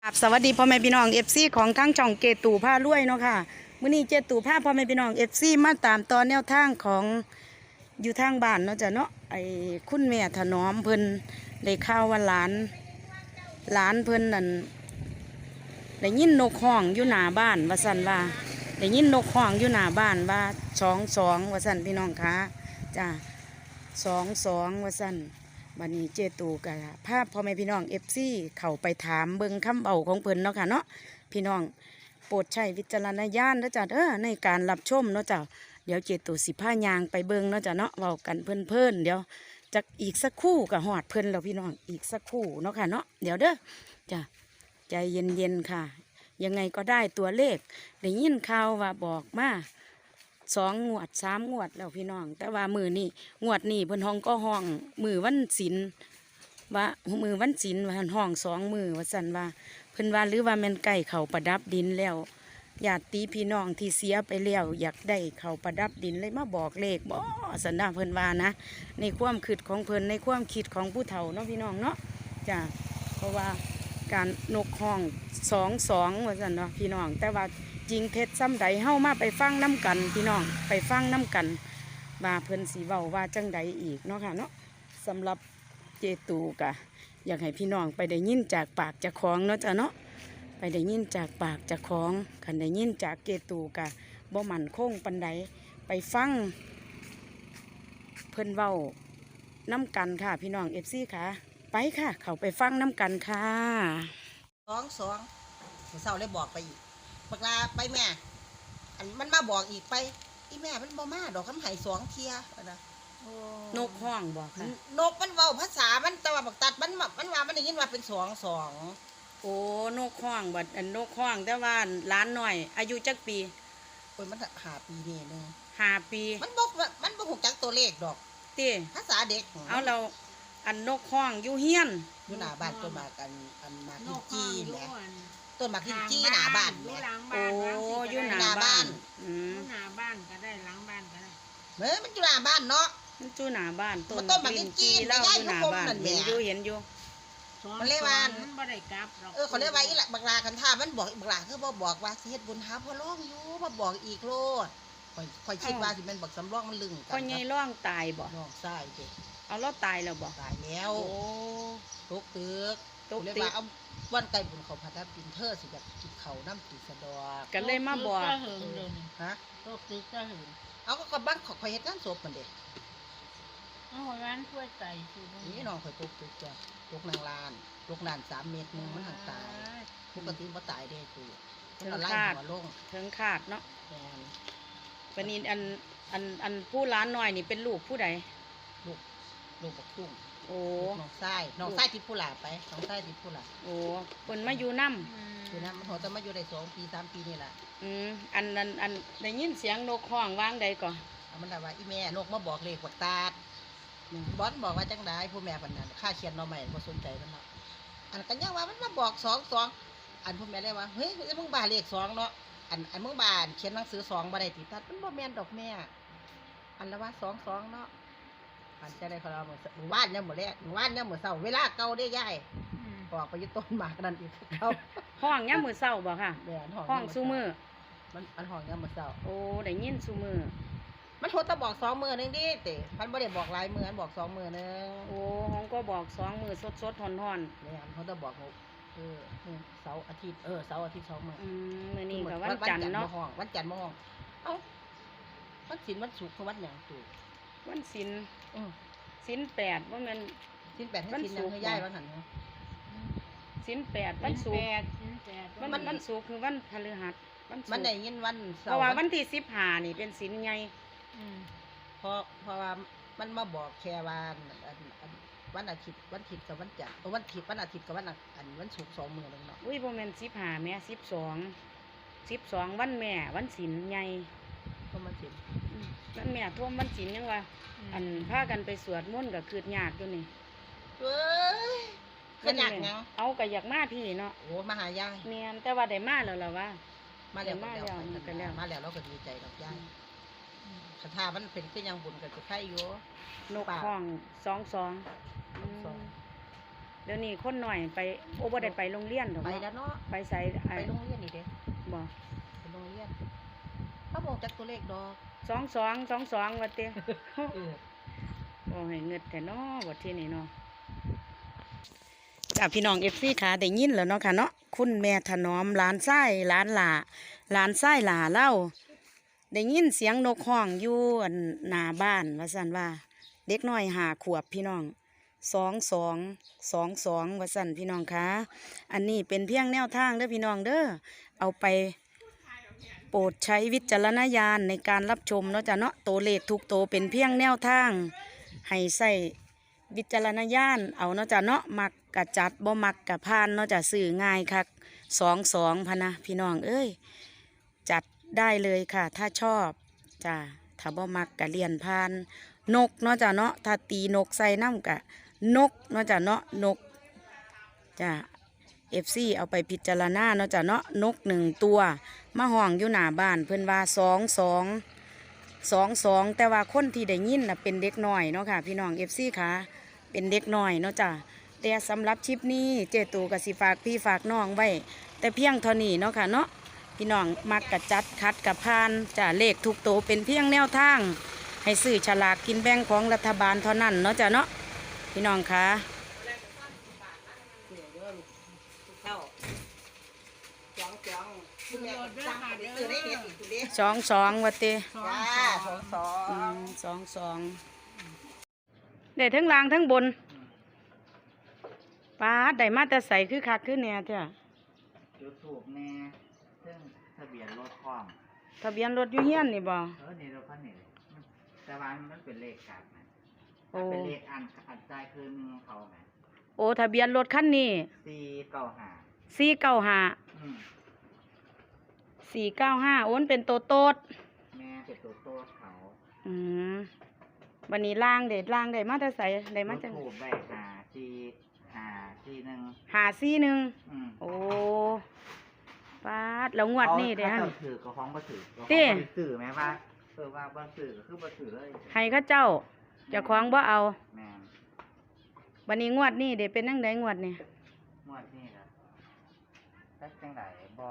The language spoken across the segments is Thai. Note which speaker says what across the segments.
Speaker 1: สวัสดีพ่อแม่พี่น้องเอฟซีของทั้งช่องเกตู่ผ้ารวยเนาะค่ะมื้อนี้เจตู่ผ้าพ่อแม่พี่น้องเอฟซีมาตามตอนแนวทางของอยู่ทางบ้านเนาะจ้ะเนาะไอ้คุณแม่ถนอมเพิ่นได้ข่าวว่าหลานเพิ่นนั่นได้ยินนกห้องอยู่หน้าบ้านว่าซั่นว่าได้ยินนกห้องอยู่หน้าบ้านว่า22ว่าซั่นพี่น้องคะจ้า22ว่าซั่น บันนี้เจตูกับภาพพ่อแม่พี่น้องเอฟซีเข้าไปถามเบิงคำเบาของเพิ่นเนาะค่ะเนาะพี่น้องโปรดใช้วิจารณญาณนะจ๊ะในการรับชมเนาะจ้ะเดี๋ยวเจตูสิผ้ายางไปเบิงเนาะจ้ะเนาะเว้ากันเพิ่นเดี๋ยวจากอีกสักครู่กับหอดเพิ่นแล้วพี่น้องอีกสักครู่เนาะค่ะเนาะเดี๋ยวเด้อจ้ะใจเย็นๆค่ะ ยังไงก็ได้ตัวเลขได้ยินข่าวว่าบอกมา2 งวด 3 งวดแล้วพี่น้องแต่ว่ามือนี่งวดนี่เพิ่นห้องก็ห้องมือวันศิลว่ามือวันศิลว่าห้อง2 มือว่าสั่นว่าเพิ่นว่าหรือว่าแม่นไก่เขาประดับดินแล้วญาติพี่น้องที่เสียไปแล้วอยากได้เขาประดับดินเลยมาบอกเลขบ่สันดาเพิ่นว่านะในความคิดของเพิ่นในความคิดของผู้เฒ่าเนาะพี่น้องเนาะจ้ะเพราะว่าการนกห้อง22ว่าสั่นเนาะพี่น้องแต่ว่าจริงเท็จซ้ำใดเฮ้ามาไปฟังน้ำกันพี่น้องไปฟังน้ำกันว่าเพิ่นสีเว้าว่าจังใดอีกเนาะค่ะเนาะสำหรับเจตูกะอยากให้พี่น้องไปได้ยินจากปากจากของเนาะจ้ะเนาะไปได้ยินจากปากจากของคันได้ยินจากเจตูกะบ่มั่นคงปันใดไปฟังเพิ่นเว้าน้ำกันค่ะพี่น้องเอฟซีค่ะไปค่ะเขาไปฟังน้ำกันค่ะ
Speaker 2: สองเศร้าเลยบอกไปอีกบักลาไปแม่อันมันมาบอกอีกไปอีแม่มันบ่มาดอกคำไห้2 เที่ยนะ
Speaker 1: นกห้องบอกค่ะ
Speaker 2: นกมันเว้าภาษามันแต่ว่าบักตัดมันว่ามันได้ยินว่าเป็น2
Speaker 1: โอ้นกห้องบัดอันนกห้องแต่ว่าล้านหน่อยอายุจักปี
Speaker 2: โอ้ยมัน5 ปีนี่นึง
Speaker 1: 5 ปี
Speaker 2: มันบ่ฮู้จักตัวเลขดอก
Speaker 1: ติ
Speaker 2: ภาษาเด็ก
Speaker 1: เอาเราอันนกห้องอยู่เฮียน
Speaker 2: อยู่หน้าบ้านต้นมากอันมากินจี้แหละต้นมากินจี้หน้าบ้านแหละ
Speaker 1: โอ้อยู่หน้าบ้าน
Speaker 3: หน้าบ้านก็ได้หลังบ้านก็ได้
Speaker 2: มันอยู่หน้าบ้านเนาะ
Speaker 1: มันอยู่หน้าบ้าน
Speaker 2: ต้นมากินจี้
Speaker 1: เล่าอยู่หน้าบ้านเห็นอยู่
Speaker 2: มันเรียกว่า
Speaker 3: มันบ่ได้กลับหรอก
Speaker 2: เขาเรียกว่าอีหละบักลาคันท่ามันบอกบักลาคือบอกว่าสิเฮ็ดบุญหาพ่อร้องอยู่มาบอกอีกโลดค่อยคิดว่าสิแม่นบักสำรองมันลึงกัน
Speaker 1: พ่อใหญ่ร้องตายบ่
Speaker 2: น้องชายเด้
Speaker 1: เอาเราตายแล้วบ่
Speaker 2: ตายแล้ว
Speaker 1: โอ้
Speaker 2: ตกตึกเรียกว่าเอาวันไก่บุญเขาพาทับกินเธอสิอยากกินเขาน้ำติสะดอก
Speaker 1: กันเลยมาบอก
Speaker 2: ฮะ
Speaker 3: ตกตึกก็หึง
Speaker 2: เอาก็บ้านข่อยเฮ็ดงานศพมันเด้
Speaker 3: เอาร้านถ้วยไก่คือ
Speaker 2: นี่น้องข่อยตกตึกจ้ะตกนางลาน3 เมตรนึงมันห่างตายปกติบ่ตายเด้ตู่
Speaker 1: ถึงขาดเนาะเป็นนี่อันผู้ร้านน้อยนี่เป็นลูกผู้ใด
Speaker 2: ลูกบักตุ้ง
Speaker 1: โอ้
Speaker 2: น้องชายที่ผู้หลาไปน้องชายที่ผู้หลา
Speaker 1: โอ้เพิ่นมาอยู่นำ
Speaker 2: อยู่นำมันหัวจะมาอยู่ได้2 ปี 3 ปีนี่แหละ
Speaker 1: อันได้ยินเสียงนกห้องวางใดก่อน
Speaker 2: มันได้ว่าอีแม่นกมาบอกเลขบักตาดบอสบอกว่าจังได๋ผู้แม่ปานนั้นค่าเขียนหน่อไม้บ่สนใจมันเนาะอันกันยังว่ามันมาบอก22อันผู้แม่ได้ว่าเฮ้ยมึงบ้าเลข2เนาะอันมึงบ้านเขียนหนังสือ2บ่ได้ติตัดมันบ่แม่นดอกแม่อันละว่า22เนาะอันจะได้เขาเราหมู่บ้านเนี่ยหมู่แรกหมู่บ้านเนี่ยหมู่เศร้าเวลาเก่าได้ย่ายบอกไปยึดต้นหมากนั่นอีกเขา
Speaker 1: ห้องเนี่ยมือเศร้าบ่ค่ะห้องซูมือ
Speaker 2: มันห้องเนี่ยหมู่เศร้า
Speaker 1: โอ้ได้ยินซูมือ
Speaker 2: มันโทรตะบอก2 มื้อนึงดิเต๋มันบ่ได้บอกหลายมื้อมันบอก2 มื้อนึง
Speaker 1: โอ้ห้องก็บอก2 มื้อสดๆฮ้อน
Speaker 2: ๆเนี่ยเขาจะบอกเสาร์อาทิตย์เสาร์อาทิตย์2 มื้อ
Speaker 1: มื้อนี้ก็วันจันทร์เนาะ
Speaker 2: วันจันทร์มาห้องเอ้าวันศิลป์วันศุกร์คือวันหยังตู่
Speaker 1: วันศิลป์ศิลป์8ว่ามัน
Speaker 2: ศิลป์8ให้ศิลป์ยังให้ย้ายวันหันเนาะ
Speaker 1: ศิลป์8วันศุกร์วันศุกร์คือวันพฤหัส
Speaker 2: มันได้ยินวันเสาร์
Speaker 1: เพราะว่าวันที่15นี่เป็นศิลป์ใหญ่
Speaker 2: เพราะว่ามันมาบอกแค่วันอาทิตย์กับวันจันทร์วันอาทิตย์กับวันศุกร์2 มื้อนึงเนาะ
Speaker 1: อุ้ยบ่แม่น15แม่12วันแม่วันศิลป์ใหญ่
Speaker 2: เพราะมันศิลป์
Speaker 1: วันแม่ท่วมวันศิลป์ยังว่าอันพากันไปสวดมนต์ก็คือยากอยู่นี่
Speaker 2: เอ้ยก็ยากหยัง
Speaker 1: เอาก็อยากมาพี่เนาะ
Speaker 2: โอ้มาหายาย
Speaker 1: แม่นแต่ว่าได้มาแล้วล่ะว่า
Speaker 2: มาแล้วเราก็ดีใจดอกยายคาถามันเป็นคือยังบุญกับจะไข่อยู่
Speaker 1: นกห้อง22ได้ดี๋ยวนี้คนหน่อยไปโอ้บ่ได้ไปโรงเรียนดอก
Speaker 2: ไป
Speaker 1: เนาะ
Speaker 2: แล้วเนาะ
Speaker 1: ไปใส่
Speaker 2: ไปโรงเรียนนี่เด้
Speaker 1: บ่
Speaker 2: ไปโรงเรียนเขาบอกจักตัวเลขดอก
Speaker 1: 22ว่าติ
Speaker 2: เออ
Speaker 1: โอ้ให้เงิดแต่เนาะบ่ที่นี่เนาะจ้าพี่น้อง FC ค่ะได้ยินแล้วเนาะค่ะเนาะคุณแม่ถนอมหลานชายหลานหล่าหลานชายหล่าเล่าได้ยินเสียงนกฮ้องอยู่อันหน้าบ้านว่าซั่นว่า เด็กน้อย5 ขวบพี่น้อง22ว่าซั่นพี่น้องค่ะอันนี้เป็นเพียงแนวทางเด้อพี่น้องเด้อเอาไปโปรดใช้วิจารณญาณในการรับชมเนาะจ้ะเนาะตัวเลขทุกตัวเป็นเพียงแนวทางให้ใส่วิจารณญาณเอาเนาะจ้ะเนาะมักกะจัดบ่มักกะพานเนาะจ้ะสื่อง่ายคัก22พะนะพี่น้องเอ้ยจัดได้เลยค่ะถ้าชอบจ้ะถ้าบ่มักกะเลียนพานนกเนาะจ้ะเนาะถ้าตีนกใส่น้ำกะนกเนาะจ้ะเนาะนกจ้ะ FC เอาไปพิจารณาเนาะจ้ะเนาะนก1 ตัวมาห้องอยู่หน้าบ้านเพิ่นว่า22แต่ว่าคนที่ได้ยินน่ะเป็นเด็กน้อยเนาะค่ะพี่น้อง FC ค่ะเป็นเด็กน้อยเนาะจ้ะแต่สำหรับคลิปนี้เจตูก็สิฝากพี่ฝากน้องไว้แต่เพียงเท่านี้เนาะค่ะเนาะพี่น้องมักกะจัดคัดกะพานจ้ะเลขทุกตัวเป็นเพียงแนวทางให้ซื้อฉลากกินแบ่งของรัฐบาลเท่านั้นเนาะจ้ะเนาะพี่น้องค่ะ
Speaker 2: เจ้าจ้องคุณแม่สั่งไปซื้อได้เด็ดอีกคุณเด้
Speaker 1: 22ว่าติ
Speaker 2: จ้า22
Speaker 1: ได้ทั้งล่างทั้งบนป้าดได้มาแต่ใส่คือคักคือแหน่จ้ะ
Speaker 4: ยูทูบแน่ซึ่งทะเบียนรถพร้อม
Speaker 1: ทะเบียนรถอยู่เฮียนนี่บ่
Speaker 4: นี่รถคันนี้มันแต่ว่ามันเป็นเลขกลับนะ
Speaker 1: โอ้
Speaker 4: เป็นเลขอันใจคือหนึ่งเขาไหม
Speaker 1: โอ้ทะเบียนรถคันนี้
Speaker 4: 495
Speaker 1: 495โอนเป็นโตโตด
Speaker 4: แม่เป็นตัวโต้เขา
Speaker 1: อืมวันนี้ล่างเด็ดล่างได้มาแต่ใส่ได้มา
Speaker 4: ยู
Speaker 1: จัง
Speaker 4: ทูบใบ541
Speaker 1: 541โอ้ป้าดแล้วงวดนี้เด้อ
Speaker 4: เขา
Speaker 1: ฮะ
Speaker 4: เจ้าถือก็ฟ้องบ่ถือก็ฟ้อง
Speaker 1: ติ
Speaker 4: บ่ได้สื่อไหมว่าว่าบ่สื่อก็คือบ่สื่อเลย
Speaker 1: ให้เขาเจ้าเจ้าของบ่เอา
Speaker 4: แม่น
Speaker 1: วันนี้งวดนี้เด้เป็นจังไดงวดนี้
Speaker 4: งวดนี้ล่ะแต่จังไดบ่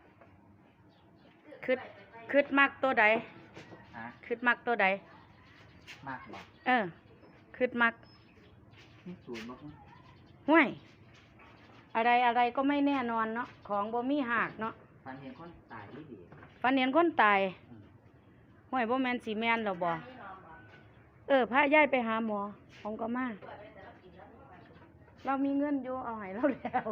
Speaker 1: คิดมักตัวใด
Speaker 4: ฮะ
Speaker 1: คิดมักตัวใด
Speaker 4: มากบ่
Speaker 1: คิดมัก
Speaker 4: มีศูนย์บ่
Speaker 1: ห้วยอะไรก็ไม่แน่นอนเนาะของบ่มีหักเนาะ
Speaker 4: ฟันเห็นคนตายดี
Speaker 1: ฝันเห็นคนตาย
Speaker 4: อืม
Speaker 1: ห้วยบ่แม่นสิแม่นหรอบ่พาย้ายไปหาหมอของก็มาเรามีเงินอยู่เอาให้เราแล้ว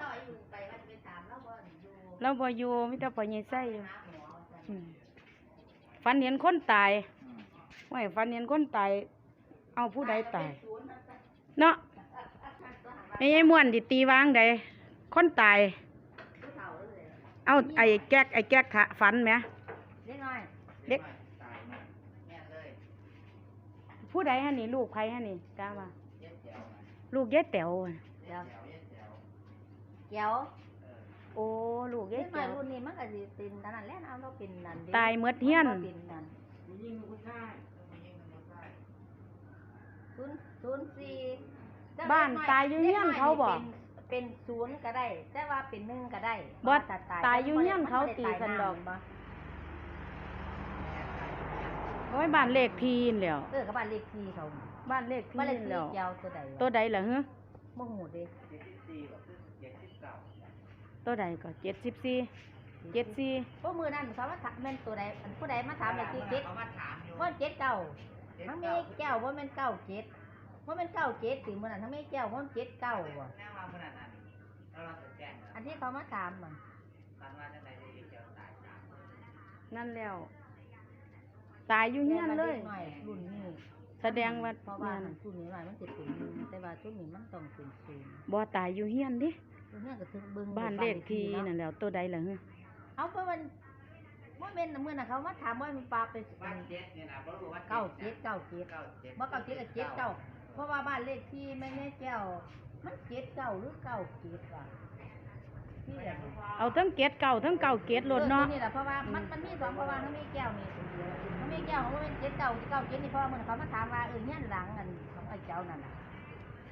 Speaker 1: เราบ่อยู่มีแต่พ่อใหญ่ไส้อยู่อืมฝันเห็นคนตาย
Speaker 4: อืม
Speaker 1: ห้วยฝันเห็นคนตายเอาผู้ใดตายเนาะไอ้ยายม่วนดิตีวางใดคนตายเอาไอ้แก๊กฝันไหม
Speaker 3: เล็กน้อย
Speaker 1: เด็ก
Speaker 4: ตายมาแม่เลย
Speaker 1: ผู้ใดฮะนี่ลูกใครฮะนี่จ้าว่า
Speaker 4: เย็ดเจียวมา
Speaker 1: ลูกยายแต๋วอะ
Speaker 3: เดี๋ยว
Speaker 4: เย็ดเจียว
Speaker 3: เดี๋ยว
Speaker 1: โอ้ลูก
Speaker 3: เล็
Speaker 1: ยาย
Speaker 3: กน้อ
Speaker 1: แต๋
Speaker 3: ยว รุ่นนี้มันก็สิเป็นนั่นนั่นแหละเอาเราเป็นนั่นเด้
Speaker 1: ตายเมดเฮียน
Speaker 3: มัเป็นนั่น
Speaker 4: ผู้หญิงกับผู้ชายผู้หญิงกับผู้ชาย
Speaker 3: 04
Speaker 1: บ้านตายอยู่เฮียนเขาบ่
Speaker 3: เป็น0ก็ได้ แต่ว่าเป็น1ก็ได้
Speaker 1: บ่
Speaker 3: ถ้
Speaker 1: ตายอยู่เฮียนเขาตีสันดอก
Speaker 3: บ่
Speaker 1: โอ้ยบ้านเลขที่นั่นแหล้ว
Speaker 3: ก็บ้านเลขที่เขา
Speaker 1: บ้านเลขที่
Speaker 3: บ้านเลข
Speaker 1: นั่นแห
Speaker 3: ที่
Speaker 1: ล้ว
Speaker 3: เจ้าตัวใด
Speaker 1: ตัวใดล่ะฮะ
Speaker 3: บ่ฮู้เด้
Speaker 4: 74กับ79
Speaker 1: ตัวใดก็74 74
Speaker 3: บ่มื้อนั้นเขามาถามแม่นตัวใดอันผู้ใดมาถามเลขที่
Speaker 4: เขามาถามอยู่
Speaker 3: บ่เจ็ดเก้าทั้งมีแก้วบ่แม่นเก้าเจ็ดบ่แม่นเก้าเจ็ดสิมื้อนั้นทั้งมีแก้วบ่แม่นเจ็ดเก้าบ่
Speaker 4: แน่ว่าขนาดนั้นแล้วเราจะแจ้ง
Speaker 3: อันที่เขามาถามมัน
Speaker 4: ตอนว่าจังไดจะเจียวตายตาม
Speaker 1: นั่นแล้ว ตายอยู่เฮียนเลย
Speaker 3: หน่อยรุ่นนี้
Speaker 1: แสดงว่า
Speaker 3: เพราะว่ารุ่นนี้หน่อยมันสิเป็นหนึ่งแต่ว่ารุ่นนี้มันต้องเป็นศูนย์
Speaker 1: บ่ตายอยู่เฮียนดิ
Speaker 3: รุ่นนี้ก็ถึงเบิ่ง
Speaker 1: บ้านเลขที่นั่นแหล้วตัวใดล่ะฮะ
Speaker 3: เอาเพราะมันบ่แม่นมื้อน่ะเขามาถามว่ามันปลาไป
Speaker 4: บ้านเจ็ดเนี่ยนะบ่รู้ว่า
Speaker 3: เก้าเจ็ดเก้าเจ็ด
Speaker 4: 97
Speaker 3: บ่เก้าเจ็ดก็เจ็ดเก้าเพราะว่าบ้านเลขที่แม่แม่แก้วมันเจ็ดเก้าหรือเก้าเจ็ดว่ะที่แบบ
Speaker 1: เอาทั้งเกตเก่าทั้งเก่าเกตรถเนาะ
Speaker 3: นี่แหละเพราะว่ามันมีสองเพราะว่ามันมีแก้วนี่มันมีแก้วของมันเป็นเจ็ดเก้าที่เก้าเจ็ดนี่เพราะว่ามันเขามาถามว่าเฮี้ยนหลังอันของไอ้เจ้านั่นน่ะ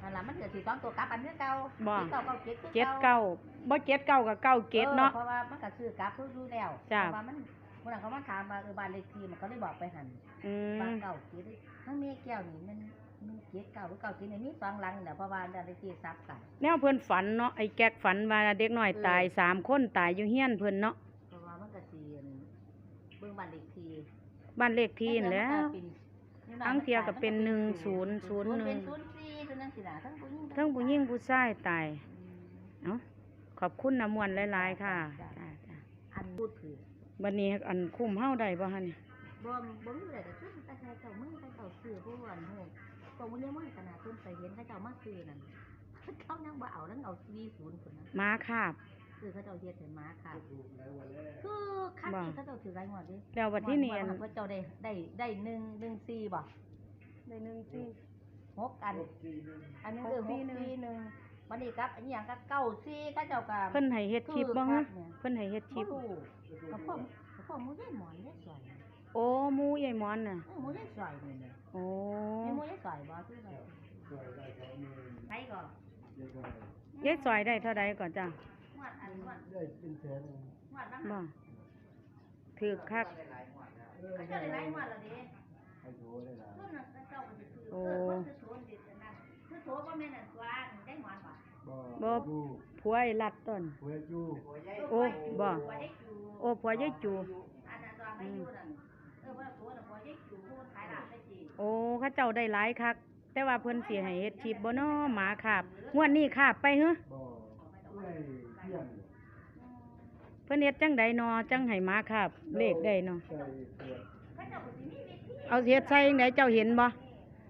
Speaker 3: นั่นล่ะมันเกิดสิ2ตัวกลับอันคือเก่า
Speaker 1: บ่
Speaker 3: เก้าเก้าเจ็ดคือ
Speaker 1: เจ็ด
Speaker 3: เก่า
Speaker 1: เก้าบ่เจ็ดเก้ากับเก้าเจ็ดเนาะ
Speaker 3: เพราะว่ามันก็ซื้อกลับทุกอยู่แล้ว
Speaker 1: จ้ะ
Speaker 3: เพราะว่ามันเมื่อนั้นเขามาถามว่าบ้านเลขที่มันก็เลยบอกไปหัน
Speaker 1: อื
Speaker 3: บ้าม นเก่าเจ็ดทั้งเมียแก้วนี่มันเจ็ดเก่าหรือเก่าเจ็ดนี่มี2หลังเนี่ยเพราะว่าบ้านเลขที่ซับกัน
Speaker 1: แนวเพิ่นฝันเนาะไอ้แก๊กฝันว่าเด็กน้อยตาย3คนตายอยู่เฮียนเพิ่นเนาะ
Speaker 3: เพราะว่ามันก็สิเบิ่งบ้านเลขที่
Speaker 1: บ้านเลขที่นั่นแหล้ว ทั้งเที่ยก็เป็น1001
Speaker 3: เป็น04ตัวนึงสิล่ะทั้งผู้หญิง
Speaker 1: ทั้งผู้หญิงผู้ชายตายเอ้าขอบคุณน้ำมวนหลายๆค่ะจ้าจ้า
Speaker 3: อันพูดถือ
Speaker 1: บัดนี้อันคุ้มเฮาได้บ่ฮะนี่
Speaker 3: บ่มีอะไรก็คือแต่ใครเจ้ามือแต่เจ้าซื้อผู้อันโหตัวมื้อนี้มื้อขนาดเพิ่นไปเห็นเขาเจ้ามาซื้อนั่นเขายังบ่เอาแล้วเอา40พุ่นน่ะ
Speaker 1: ม้าคาบ
Speaker 3: คือเขาเจ้าเฮ็ดให้ม้าค่ะคือคันนี้เขาเจ้าถือหลายงวดดิ
Speaker 1: แล้วบัดที่นี่อัน
Speaker 3: เขาเจ้าได้114บ่
Speaker 1: ได้หนึ่งสี่
Speaker 3: 6อันอันนึง641วันนี้ครับอันนี้หยังก็94เขาเจ้าก็
Speaker 1: เพิ่นให้เฮ็ดคลิปบ่ฮะเพิ่นให้เฮ็ดคลิป
Speaker 3: บ่รู้ก็พ่อหมูได้หมอนได้สวย
Speaker 1: โอ้หมูยายหมอนน่ะ
Speaker 3: หมูได้สวยนี่
Speaker 1: โอ้
Speaker 3: มีหมูได้สวยบ่คือแบบใครก็
Speaker 1: ยายซอยได้เท่าใดก่อนจ้ะ
Speaker 3: หวดอันหวด
Speaker 4: ได้เป็นแสน
Speaker 3: หวดบ้าง
Speaker 1: บ่ถือคัก
Speaker 3: เขาเจ้าได้หลายหวดแล้วดิ
Speaker 4: ให้โถได้หลาย
Speaker 3: รุ่นน่ะเจ้าก็สิคือ
Speaker 1: โอ้
Speaker 3: คนคือโถนดินั่นคือโถบ่แม่นอันตัวได้หมอนบ่
Speaker 4: บ่
Speaker 1: บ่
Speaker 4: อยู่
Speaker 1: ผัวไอ้ลัดต้น
Speaker 4: หวยอยู่
Speaker 1: โอ้บ่
Speaker 3: บ่ได้จู
Speaker 1: โอ้ผัวยายจู
Speaker 3: อันนั้นตัวไม่อยู่นั่นว่าโถน่ะบ่ได้จูผู้ขายร้านได้จี
Speaker 1: โอ้เขาเจ้าได้หลายคัก แต่ว่าเพิ่นสิให้เฮ็ดคลิปบ่น้อหมาคาบงวดนี้คาบไปเหรอ
Speaker 4: บ่ได้เที่ยง
Speaker 1: เพิ่นเฮ็ดจังใดนอจังให้หมาคาบเลขได้เนาะ
Speaker 4: ใส่เสื้อ
Speaker 3: เขาเจ้าก็สิมีวิธี
Speaker 1: เอาเฮ็ดใส่จังไดเจ้าเห็นบ่
Speaker 4: บ่บ่กด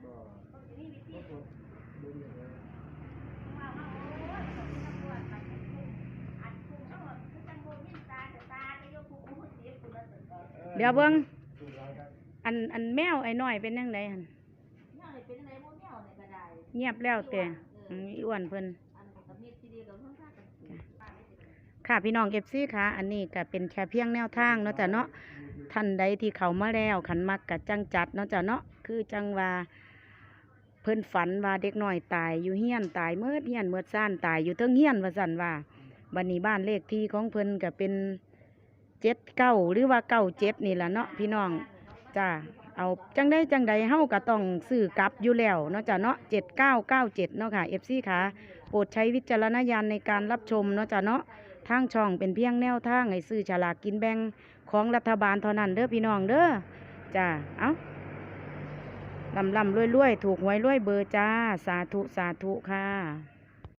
Speaker 4: ดูอย่างไร
Speaker 3: ว่าโอ้ยเขาสิทำตัวไปอันคุ้มเขาคือจังบ่มีตาจะยกผู้ผู้เสียผู้ละสึก
Speaker 1: เดี๋ยวเบิ่ง
Speaker 4: สุดร้ายครับ
Speaker 1: อันแมวไอ้น้อยเป็นจังไดหั่น
Speaker 3: เนี่ยเลยเป็นอะไรพวกเนี่ยเนี่ยก็ได้
Speaker 1: เงียบแล้วแต่อีอ้วนเพิ่น
Speaker 3: อันกับมีซีดีกับเพื่อนข้ากัน
Speaker 1: ค่ะพี่น้อง FC ค่ะอันนี้ก็เป็นแค่เพียงแนวทางเนาะจ้ะเนาะท่านใดที่เข้ามาแล้วขันมักกะจังจัดเนาะจ้ะเนาะคือจังว่าเพิ่นฝันว่าเด็กน้อยตายอยู่เฮียนตายเมิดเฮียนเมิดซ่านตายอยู่เทิงเฮียนว่าซั่นว่าบัดนี้บ้านเลขที่ของเพิ่นก็เป็น79หรือว่า97นี่ล่ะเนาะพี่น้องจ้าเอาจังใดเฮาก็ต้องซื้อกลับอยู่แล้วเนาะจ้ะเนาะ7997เนาะค่ะ FC ค่ะโปรดใช้วิจารณญาณในการรับชมเนาะจ้ะเนาะ ทางช่องเป็นเพียงแนวทางให้ซื้อฉลากกินแบ่งของรัฐบาลเท่านั้นเด้อพี่น้องเด้อจ้าเอาลำรวยถูกหวยรวยเบอร์จ้าสาธุค่ะ